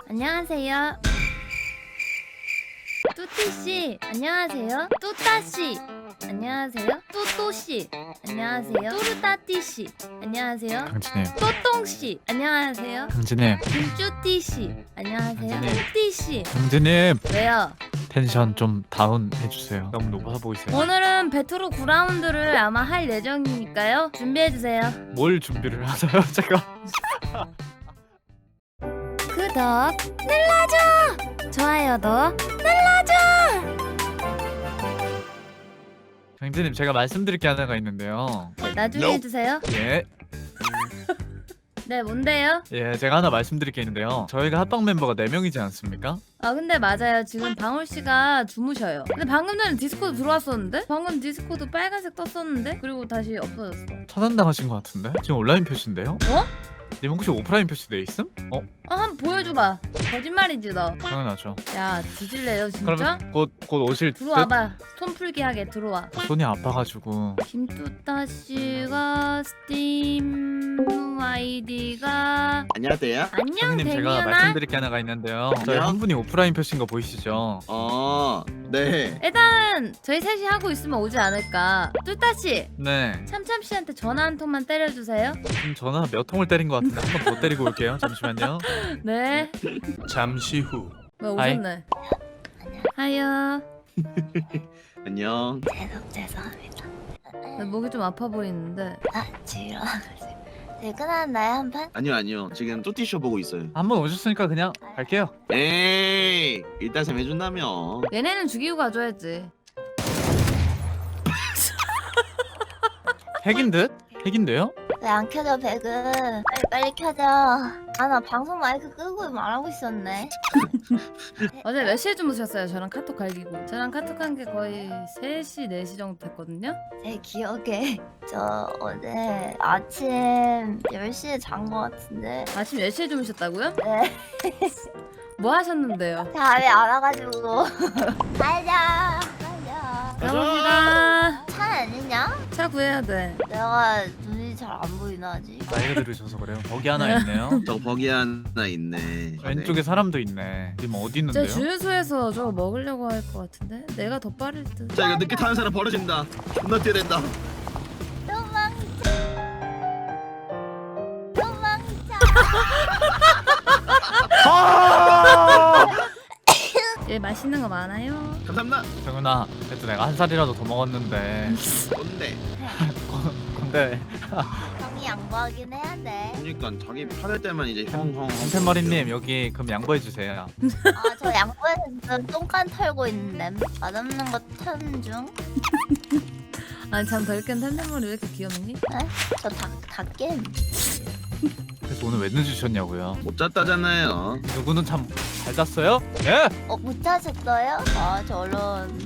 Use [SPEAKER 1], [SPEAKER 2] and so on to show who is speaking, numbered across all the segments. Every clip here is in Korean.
[SPEAKER 1] 안녕하세요. 뚜띠씨 안녕하세요. 뚜따씨 안녕하세요. 뚜또씨 안녕하세요. 뚜르따띠씨 안녕하세요.
[SPEAKER 2] 강진님,
[SPEAKER 1] 또똥씨 안녕하세요.
[SPEAKER 2] 강진님,
[SPEAKER 1] 김쭈띠씨 안녕하세요.
[SPEAKER 2] 강진님.
[SPEAKER 1] 뚜띠씨
[SPEAKER 2] 강진님
[SPEAKER 1] 왜요?
[SPEAKER 2] 텐션 좀 다운 해주세요. 너무 높아 보이세요.
[SPEAKER 1] 오늘은 베트로 9라운드를 아마 할 예정이니까요. 준비해주세요.
[SPEAKER 2] 뭘 준비를 하세요, 제가?
[SPEAKER 1] 구독 눌러줘. 좋아요도 눌러줘.
[SPEAKER 2] 강진님, 제가 말씀드릴 게 하나가 있는데요.
[SPEAKER 1] 나중에 해주세요.
[SPEAKER 2] 예,
[SPEAKER 1] 네, 뭔데요?
[SPEAKER 2] 예, 제가 하나 말씀드릴 게 있는데요. 저희가 합방 멤버가 4명이지 않습니까?
[SPEAKER 1] 아 근데 맞아요. 지금 방울씨가 주무셔요. 근데 방금 전에 디스코드 들어왔었는데? 방금 디스코드 빨간색 떴었는데? 그리고 다시 없어졌어.
[SPEAKER 2] 차단당하신 것 같은데? 지금 온라인 표시인데요?
[SPEAKER 1] 어?
[SPEAKER 2] 님 혹시 오프라인 표시 돼 있음?
[SPEAKER 1] 한번 보여줘봐. 거짓말이지 너.
[SPEAKER 2] 당연하죠.
[SPEAKER 1] 야 뒤질래요 진짜?
[SPEAKER 2] 그러면 곧 오실 듯?
[SPEAKER 1] 들어와봐. 손 풀기 하게 들어와.
[SPEAKER 2] 손이 아파가지고.
[SPEAKER 1] 김뚜따씨가 스팀 아이디가
[SPEAKER 3] 안녕하세요.
[SPEAKER 1] 안녕
[SPEAKER 2] 선생님, 제가
[SPEAKER 1] 데미안아.
[SPEAKER 2] 말씀드릴 게 하나가 있는데요. 저희
[SPEAKER 3] 안녕?
[SPEAKER 2] 한 분이 오프라인 표시인 거 보이시죠?
[SPEAKER 3] 네.
[SPEAKER 1] 일단 저희 셋이 하고 있으면 오지 않을까. 뚜따씨
[SPEAKER 2] 네.
[SPEAKER 1] 참참씨한테 전화 한 통만 때려주세요.
[SPEAKER 2] 지금 전화 몇 통을 때린 것 같은데 한 번 더 때리고 올게요. 잠시만요.
[SPEAKER 1] 네.
[SPEAKER 2] 잠시 후.
[SPEAKER 1] 왜
[SPEAKER 2] 하이.
[SPEAKER 1] 오셨네. 하여.
[SPEAKER 3] 안녕.
[SPEAKER 4] 죄송합니다.
[SPEAKER 1] 목이 좀 아파 보이는데.
[SPEAKER 4] 지금 일어나가지고 퇴근하나요 한 판?
[SPEAKER 3] 아니요. 지금 뚜띠쇼 보고 있어요.
[SPEAKER 2] 한 번 오셨으니까 그냥 갈게요.
[SPEAKER 3] 에이, 일단 셈 해준다며.
[SPEAKER 1] 얘네는 죽이고 가줘야지.
[SPEAKER 2] 핵인 듯? 핵인데요?
[SPEAKER 4] 왜 안 켜져 백은? 빨리 켜져. 아 나 방송 마이크 끄고 말하고 있었네.
[SPEAKER 1] 어제 몇 시에 주무셨어요? 저랑 카톡 갈기고. 저랑 카톡한 게 거의 3시, 4시 정도 됐거든요?
[SPEAKER 4] 제 기억에 저 어제 아침 10시에 잔 거 같은데.
[SPEAKER 1] 아침 10시에 주무셨다고요?
[SPEAKER 4] 네.
[SPEAKER 1] 뭐 하셨는데요?
[SPEAKER 4] 잠이 안 와가지고. 가자.
[SPEAKER 1] 가봅시다.
[SPEAKER 4] 차 아니냐?
[SPEAKER 1] 차 구해야 돼.
[SPEAKER 4] 내가 눈이 잘 안 보이나 아직?
[SPEAKER 2] 나이가 들으셔서 그래요. 거기 하나 있네요.
[SPEAKER 3] 저 버기 하나 있네.
[SPEAKER 2] 왼쪽에 사람도 있네. 지금 어디
[SPEAKER 1] 제
[SPEAKER 2] 있는데요?
[SPEAKER 1] 주유소에서 저거 먹으려고 할 것 같은데? 내가 더 빠를 듯.
[SPEAKER 3] 자, 이거 늦게 타는 사람 벌어진다. 존나 뛰어야 된다.
[SPEAKER 4] 도망쳐. 도망쳐.
[SPEAKER 2] 아!
[SPEAKER 1] 얘 맛있는 거 많아요?
[SPEAKER 3] 감사합니다.
[SPEAKER 2] 정은아, 그래도 내가 한 살이라도 더 먹었는데.
[SPEAKER 3] 뭔데?
[SPEAKER 2] 근데
[SPEAKER 4] 형이 양보하긴 해야 돼.
[SPEAKER 3] 그러니까 자기 팔을 때만 이제 형형.
[SPEAKER 2] 한팬머리님 여기 그럼 양보해 주세요.
[SPEAKER 4] 아, 저 양보해서 지금 똥간 털고 있는데 맛없는 거 타는 중.
[SPEAKER 1] 아니 참 덜깬 텐트머리 왜 이렇게 귀엽니?
[SPEAKER 4] 저 닭겜.
[SPEAKER 2] 그래서 오늘 왜 늦으셨냐고요?
[SPEAKER 3] 못 잤다잖아요.
[SPEAKER 2] 누구는 참 잘 잤어요? 예?
[SPEAKER 4] 못 자셨어요? 아, 저 얼른.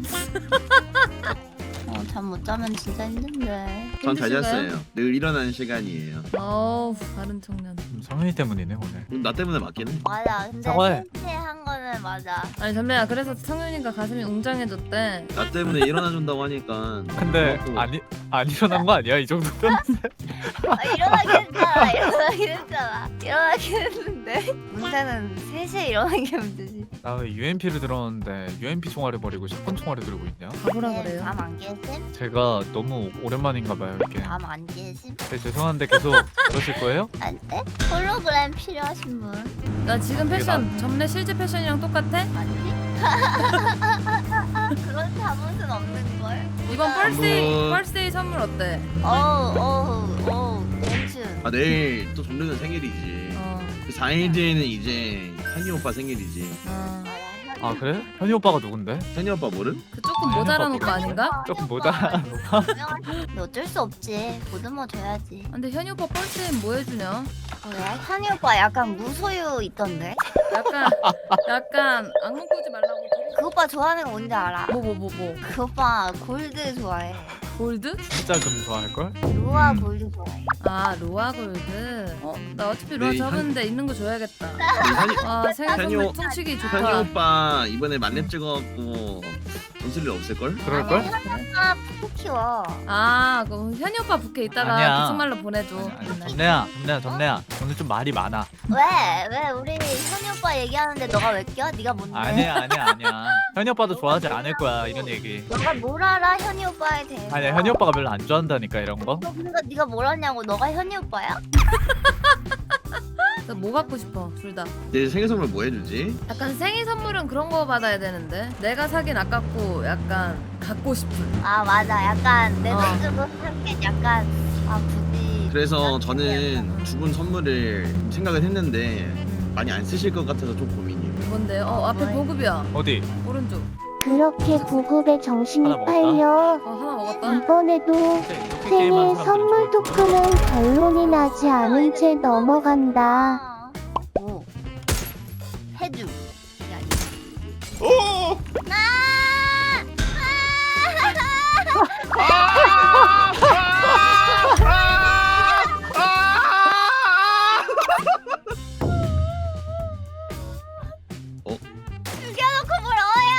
[SPEAKER 4] 잠 못 자면 진짜 힘든데.
[SPEAKER 3] 전 잘
[SPEAKER 1] 힘드신가요?
[SPEAKER 3] 잤어요. 늘 일어나는 시간이에요.
[SPEAKER 1] 어우 다른 청년.
[SPEAKER 2] 성현이 때문이네 오늘.
[SPEAKER 3] 나 때문에 맞긴 해.
[SPEAKER 4] 맞아. 근데
[SPEAKER 2] 사과해.
[SPEAKER 4] 한 거는 맞아.
[SPEAKER 1] 아니 담배야 그래서 성윤이가 가슴이 웅장해졌대.
[SPEAKER 3] 나 때문에 일어나준다고 하니까.
[SPEAKER 2] 근데
[SPEAKER 3] 고맙고.
[SPEAKER 2] 안 일어난 거 아니야 이 정도면?
[SPEAKER 4] 일어나긴 했잖아. 일어나긴 했잖아. 일어나긴 했는데. 문제는 3시에 일어나는 게 문제지.
[SPEAKER 2] 나 왜 UMP를 들었는데 UMP 총알을 버리고 샷건 총알을 들고 있냐?
[SPEAKER 1] 가보라 그래요.
[SPEAKER 4] 잠안 깨심?
[SPEAKER 2] 제가 너무 오랜만인가 봐요 이렇게.
[SPEAKER 4] 잠안 깨심?
[SPEAKER 2] 네, 죄송한데 계속 그러실 거예요?
[SPEAKER 4] 안 돼? 홀로그램 필요하신 분?
[SPEAKER 1] 나 지금 패션 전에 실제 패션이랑 똑같아?
[SPEAKER 4] 아니지? 그런 자본은 없는 걸.
[SPEAKER 1] 이번 펄스데이 선물 어때?
[SPEAKER 4] 어우 멘춘.
[SPEAKER 3] 아, 내일 또 정르는 생일이지. 그 4일 뒤에는 이제 현이 오빠 생일이지.
[SPEAKER 2] 아 그래? 현이 오빠가 누군데?
[SPEAKER 3] 현이 오빠 모름?
[SPEAKER 1] 그 조금 모자란 오빠 아닌가?
[SPEAKER 2] 조금 모자란
[SPEAKER 4] 근데 어쩔 수 없지. 보듬어 줘야지.
[SPEAKER 1] 근데 현이 오빠 펄스데이 뭐 해주냐?
[SPEAKER 4] 그래? 현이 오빠 약간 무소유 있던데?
[SPEAKER 1] 약간 악몽 꾸지 말라고.
[SPEAKER 4] 그 오빠 좋아하는 거 뭔지 알아?
[SPEAKER 1] 뭐.
[SPEAKER 4] 그 오빠 골드 좋아해.
[SPEAKER 1] 골드?
[SPEAKER 2] 진짜 금 좋아할걸?
[SPEAKER 4] 로아 골드 좋아해.
[SPEAKER 1] 아 로아 골드. 나 어차피 로아
[SPEAKER 3] 네,
[SPEAKER 1] 접었는데 있는 거 줘야겠다.
[SPEAKER 3] 현이,
[SPEAKER 1] 와 생일
[SPEAKER 3] 현이
[SPEAKER 1] 선물
[SPEAKER 3] 오-
[SPEAKER 1] 퉁치기
[SPEAKER 3] 현이
[SPEAKER 1] 좋다.
[SPEAKER 3] 오빠 이번에 만렙 찍어갖고 돈 쓸 일 없을걸?
[SPEAKER 2] 그럴걸?
[SPEAKER 4] 아 푸푸 키워.
[SPEAKER 1] 아 그럼 현이 오빠 부캐 이따가
[SPEAKER 2] 아니야.
[SPEAKER 1] 계속말로 보내줘.
[SPEAKER 2] 점내야 오늘 좀 말이 많아.
[SPEAKER 4] 왜 우리 현이 오빠 얘기하는데 너가 왜 껴? 네가 뭔데?
[SPEAKER 2] 아니야 현이 오빠도 좋아하지 않을 거야 이런 얘기.
[SPEAKER 4] 너가 뭘 알아 현이 오빠에 대해서?
[SPEAKER 2] 아니야 현이 오빠가 별로 안 좋아한다니까 이런 거.
[SPEAKER 4] 그러니까 네가 뭘 아냐고. 너가 현이 오빠야?
[SPEAKER 1] 뭐 갖고 싶어 둘 다.
[SPEAKER 3] 내 생일 선물 뭐 해주지?
[SPEAKER 1] 약간 생일 선물은 그런 거 받아야 되는데 내가 사긴 아깝고 약간 갖고 싶은.
[SPEAKER 4] 아 맞아. 약간 내
[SPEAKER 1] 어.
[SPEAKER 4] 돈 주고 사긴 약간 아 굳이.
[SPEAKER 3] 그래서 저는 두 분 선물을 생각을 했는데 많이 안 쓰실 것 같아서 좀 고민이에요.
[SPEAKER 1] 뭔데요? 앞에 보급이야.
[SPEAKER 2] 어디?
[SPEAKER 1] 오른쪽.
[SPEAKER 5] 그렇게 구급에 정신이
[SPEAKER 2] 하나 먹었다?
[SPEAKER 5] 팔려
[SPEAKER 1] 하나 먹었다.
[SPEAKER 5] 이번에도
[SPEAKER 2] 이렇게
[SPEAKER 5] 생일
[SPEAKER 2] 게임하는
[SPEAKER 5] 선물
[SPEAKER 2] 사람들은
[SPEAKER 5] 토큰은 결론이 나지 않은 채 넘어간다.
[SPEAKER 4] 오. 해주. 이게 아니야.
[SPEAKER 3] 오!
[SPEAKER 4] 죽여놓고 뭘 어야?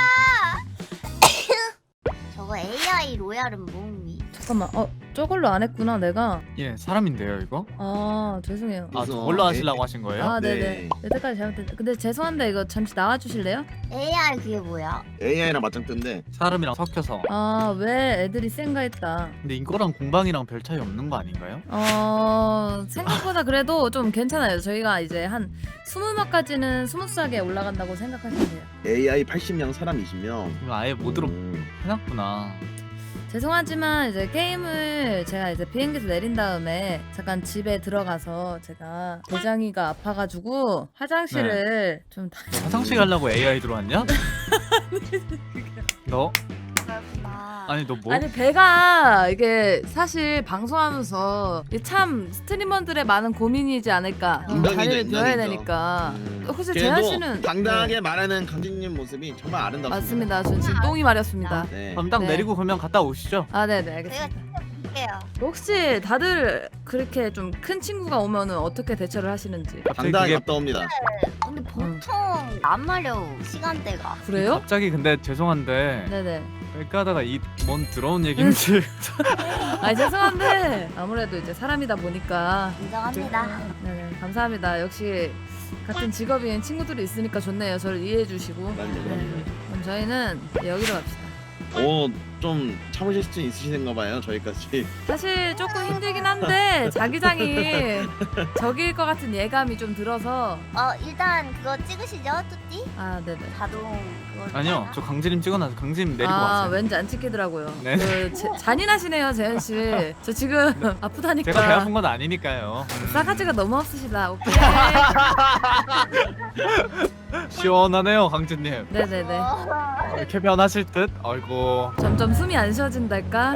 [SPEAKER 4] 저거 AI 로얄은 뭐니?
[SPEAKER 1] 잠깐만. 저걸로 안 했구나 내가.
[SPEAKER 2] 예 사람인데요 이거?
[SPEAKER 1] 아 죄송해요.
[SPEAKER 2] 아
[SPEAKER 3] 그래서
[SPEAKER 2] 저걸로 하시려고 하신 거예요?
[SPEAKER 1] 아
[SPEAKER 3] 네.
[SPEAKER 1] 네네. 여태까지 잘못했. 근데 죄송한데 이거 잠시 나와 주실래요?
[SPEAKER 4] AI 그게 뭐야?
[SPEAKER 3] AI랑 맞짱 뜬데
[SPEAKER 2] 사람이랑 섞여서.
[SPEAKER 1] 아 왜 애들이 센가 했다.
[SPEAKER 2] 근데 이거랑 공방이랑 별 차이 없는 거 아닌가요?
[SPEAKER 1] 생각보다 그래도 좀 괜찮아요. 저희가 이제 한 20명까지는 스무스하게 올라간다고 생각하시면 돼요.
[SPEAKER 3] AI 80명, 사람 20명.
[SPEAKER 2] 이거 아예 모드로 해놨구나.
[SPEAKER 1] 죄송하지만 이제 게임을 제가 이제 비행기에서 내린 다음에 잠깐 집에 들어가서 제가 대장이가 아파가지고 화장실을 좀
[SPEAKER 2] 화장실 가려고 AI 들어왔냐? 너?
[SPEAKER 4] 그렇구나.
[SPEAKER 2] 아니 너 뭐?
[SPEAKER 1] 아니 배가 이게 사실 방송하면서 이게 참 스트리머들의 많은 고민이지 않을까.
[SPEAKER 3] 인간이죠,
[SPEAKER 1] 자리를 비워야
[SPEAKER 3] 인간이죠.
[SPEAKER 1] 되니까. 혹시
[SPEAKER 3] 그래도
[SPEAKER 1] 재현 씨는
[SPEAKER 3] 당당하게
[SPEAKER 1] 네,
[SPEAKER 3] 말하는 강진님 모습이 정말 아름답습니다.
[SPEAKER 1] 맞습니다. 전 지금 똥이 마렸습니다.
[SPEAKER 3] 네.
[SPEAKER 2] 그럼 딱
[SPEAKER 1] 네.
[SPEAKER 2] 내리고 그러면 갔다 오시죠.
[SPEAKER 1] 아 네네
[SPEAKER 4] 내가
[SPEAKER 1] 알겠습니다.
[SPEAKER 4] 볼게요.
[SPEAKER 1] 혹시 다들 그렇게 좀 큰 친구가 오면은 어떻게 대처를 하시는지.
[SPEAKER 2] 갑자기
[SPEAKER 3] 당당하게
[SPEAKER 2] 그게
[SPEAKER 3] 갔다 옵니다.
[SPEAKER 4] 근데 보통 안 마려 시간대가.
[SPEAKER 1] 그래요?
[SPEAKER 2] 갑자기 근데 죄송한데
[SPEAKER 1] 네네.
[SPEAKER 2] 뺄까 하다가 이 뭔 들어온 얘기인지
[SPEAKER 1] 아 죄송한데 아무래도 이제 사람이다 보니까.
[SPEAKER 4] 인정합니다.
[SPEAKER 1] 네네 감사합니다. 역시 같은 직업인 친구들이 있으니까 좋네요. 저를 이해해 주시고.
[SPEAKER 3] 그럼요,
[SPEAKER 1] 네.
[SPEAKER 3] 그럼요.
[SPEAKER 1] 그럼 저희는 여기로 갑시다.
[SPEAKER 3] 좀 참으실 수 있으신가 봐요, 저희까지.
[SPEAKER 1] 사실 조금 힘들긴 한데 자기장이 적일 것 같은 예감이 좀 들어서.
[SPEAKER 4] 일단 그거 찍으시죠, 뚜띠?
[SPEAKER 1] 아 네네.
[SPEAKER 4] 자동 그거.
[SPEAKER 2] 아니요 저 강진님 찍어놔서 강진님 내리고
[SPEAKER 1] 아
[SPEAKER 2] 왔어요.
[SPEAKER 1] 왠지 안 찍히더라고요.
[SPEAKER 2] 네.
[SPEAKER 1] 잔인하시네요 재현 씨. 저 지금 아프다니까.
[SPEAKER 2] 제가 배 아픈 건 아니니까요.
[SPEAKER 1] 싸가지가 너무 없으시다. 오케이.
[SPEAKER 2] 시원하네요 강진님.
[SPEAKER 1] 네네네.
[SPEAKER 2] 이렇게 변하실 듯? 아이고.
[SPEAKER 1] 점점 숨이 안 쉬어진달까.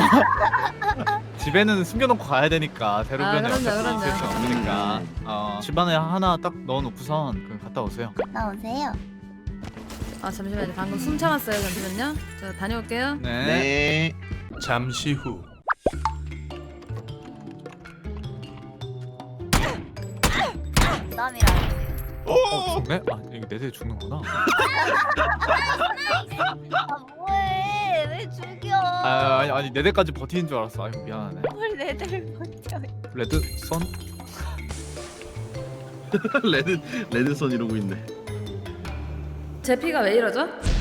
[SPEAKER 2] 집에는 숨겨놓고 가야 되니까 대로변에
[SPEAKER 1] 그럼요,
[SPEAKER 2] 어차피
[SPEAKER 1] 그럼요.
[SPEAKER 2] 있을 수 없으니까 집안에 하나 딱 넣어놓고선 그 갔다 오세요.
[SPEAKER 4] 나오세요.
[SPEAKER 1] 아 잠시만요. 방금 숨 참았어요. 잠시만요. 저 다녀올게요.
[SPEAKER 2] 네.
[SPEAKER 3] 네.
[SPEAKER 6] 잠시 후
[SPEAKER 4] 부담이라.
[SPEAKER 2] 죽네? 아 이거 내 대 죽는구나.
[SPEAKER 4] 아 뭐해? 왜 죽여?
[SPEAKER 2] 아니 내 대까지 버티는 줄 알았어. 아이고 미안하네.
[SPEAKER 4] 뭘 내들 버텨?
[SPEAKER 2] 레드 선?
[SPEAKER 3] 레드선 이러고 있네.
[SPEAKER 1] 제 피가 왜 이러죠?